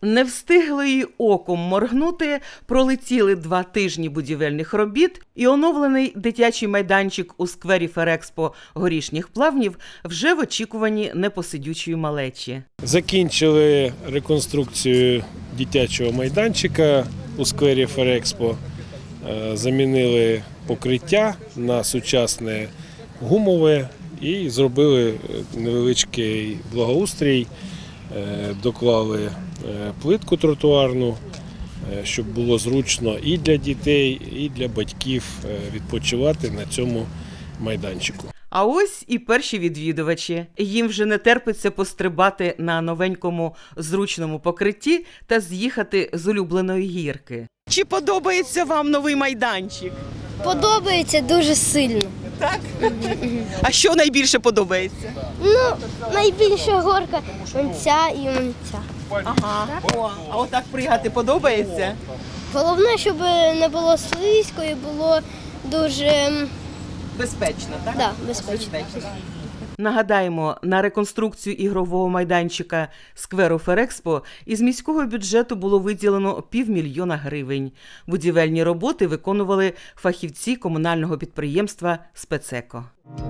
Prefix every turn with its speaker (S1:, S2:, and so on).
S1: Не встигли й оком моргнути, пролетіли 2 тижні будівельних робіт, і оновлений дитячий майданчик у сквері Ферекспо Горішніх Плавнів вже в очікуванні непосидючої малечі.
S2: Закінчили реконструкцію дитячого майданчика у сквері Ферекспо, замінили покриття на сучасне гумове і зробили невеличкий благоустрій, доклали плитку тротуарну, щоб було зручно і для дітей, і для батьків відпочивати на цьому майданчику.
S1: А ось і перші відвідувачі. Їм вже не терпиться пострибати на новенькому зручному покритті та з'їхати з улюбленої гірки. Чи подобається вам новий майданчик?
S3: Подобається дуже сильно.
S1: Так? А що найбільше подобається?
S3: Найбільша горка ця і ця.
S1: Ага. О, а отак пригати подобається?
S3: Головне, щоб не було слизько і було дуже
S1: Безпечно, так?
S3: безпечно.
S1: Нагадаємо, на реконструкцію ігрового майданчика скверу Ферекспо із міського бюджету було виділено 500 000 гривень. Будівельні роботи виконували фахівці комунального підприємства «Спецеко».